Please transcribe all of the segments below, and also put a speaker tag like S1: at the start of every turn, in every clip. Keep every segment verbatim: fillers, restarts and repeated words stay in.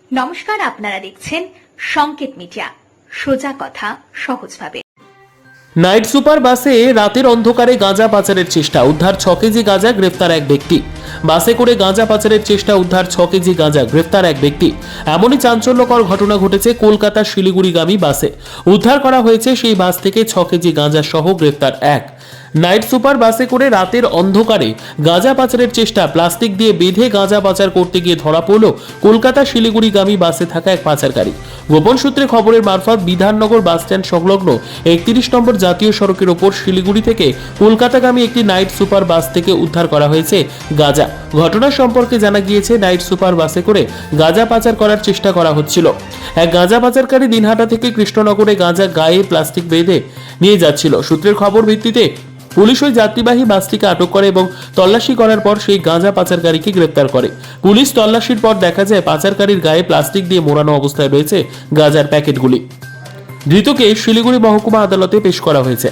S1: নমস্কার, আপনারা দেখছেন সংকেত মিডিয়া, সোজা কথা সহজভাবে।
S2: নাইট সুপার বাসে রাতের অন্ধকারে গাঁজা পাচারের চেষ্টা, উদ্ধার ছ কেজি গাঁজা, গ্রেফতার এক ব্যক্তি। বাসে করে গাঁজা পাচারের চেষ্টা, উদ্ধার ছ কেজি গাঁজা, গ্রেফতার এক ব্যক্তি। এমনই চাঞ্চল্যকর ঘটনা ঘটেছে কলকাতা শিলিগুড়িগামী বাসে। উদ্ধার করা হয়েছে সেই বাস থেকে ছ কেজি গাঁজা সহ গ্রেফতার এক। নাইট সুপার বাসে করে রাতের অন্ধকারে গাঁজা পাচারের চেষ্টা, প্লাস্টিক দিয়ে বেঁধে গাঁজা পাচার করতে গিয়ে ধরা পড়ল কলকাতা শিলিগুড়িগামী বাসে থাকা এক পাচারকারী। গোপন সূত্রে খবরের মারফত বিধাননগর বাসস্ট্যান্ড সংলগ্ন একত্রিশ নম্বর জাতীয় সড়কের ওপর শিলিগুড়ি থেকে কলকাতাগামী একটি নাইট সুপার বাস থেকে উদ্ধার করা হয়েছে গাঁজা। ঘটনা সম্পর্কে জানা গিয়েছে, নাইট সুপার বাসে করে গাঁজা পাচার করার চেষ্টা করা হচ্ছিল। এক গাঁজা পাচারকারী দিনহাটা থেকে কৃষ্ণনগরে গাঁজা গায়ে প্লাস্টিক বেঁধে নিয়ে যাচ্ছিল। সূত্রের খবর ভিত্তিতে পুলিশ ওই যাত্রীবাহী বাসটিকে আটক করে এবং তল্লাশি করার পর সেই গাঁজা পাচারকারীকে গ্রেপ্তার করে। পুলিশ তল্লাশির পর দেখা যায় পাচারকারীর গায়ে প্লাস্টিক দিয়ে মোড়ানো অবস্থায় রয়েছে গাঁজার প্যাকেটগুলি। ধৃতকে শিলিগুড়ি মহকুমা আদালতে পেশ করা হয়েছে।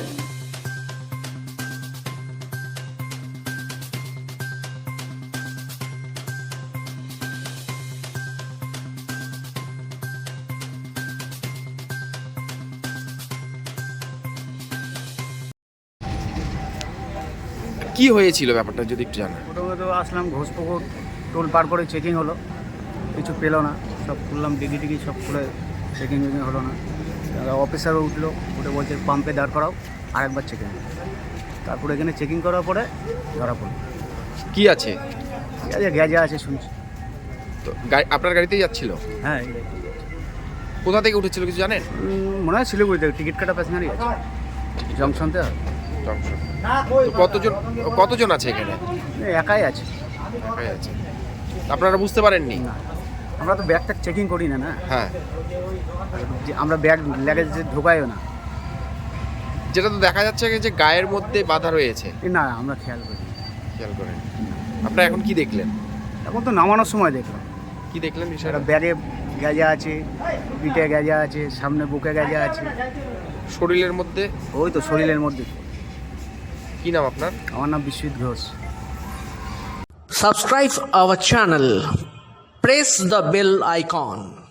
S3: কি হয়েছিল ব্যাপারটা যদি একটু জানা।
S4: প্রথমে তো আসলাম ঘোষপুকুর, টোল পার করে চেকিং হলো, কিছু পেলো না, সব খুললাম ডিগি টিগি সব খুলে চেকিং ফেকিং হলো না। অফিসারও উঠলো, উঠে বলছে পাম্পে দাঁড় করাও, আরেকবার চেকিং। তারপরে এখানে চেকিং করার পরে ধরা পড়লো।
S3: কি আছে?
S4: ঠিক আছে, গ্যাজা আছে শুনছি।
S3: তো গাড়ি আপনার গাড়িতেই যাচ্ছিল?
S4: হ্যাঁ,
S3: কোথা থেকে উঠেছিল কিছু জানেন?
S4: উম, মনে হয় শিলিগুড়ি থেকে টিকিট কাটা প্যাসেঞ্জারই আছে, জংশনতে।
S3: জংশন। তো কতজন কতজন আছে এখানে?
S4: একাই আছে।
S3: একাই আছে। আপনারা বুঝতে পারেননি?
S4: না, আমরা তো ব্যাগ ট্যাগ চেকিং করি না। না
S3: হ্যাঁ,
S4: যে আমরা ব্যাগ ল্যাগেজ ঢোকাইও না।
S3: যেটা তো দেখা যাচ্ছে যে গায়ের মধ্যে বাধা রয়েছে।
S4: এ না, আমরা খেয়াল করি।
S3: খেয়াল করেন। আপনারা এখন কি দেখলেন?
S4: এখন তো নামানোর সময় দেখলাম
S3: কি দেখলেন বিষয়টা?
S4: একটা ব্যাগে গ্যাজা আছে, পিঠে গ্যাজা আছে, সামনে বুকে গ্যাজা আছে,
S3: শরীরের মধ্যে?
S4: ওই তো শরীরের মধ্যে।
S3: কি নাম আপনার?
S4: আমার নাম Biswajit Ghosh.
S5: Subscribe our channel. Press the bell icon.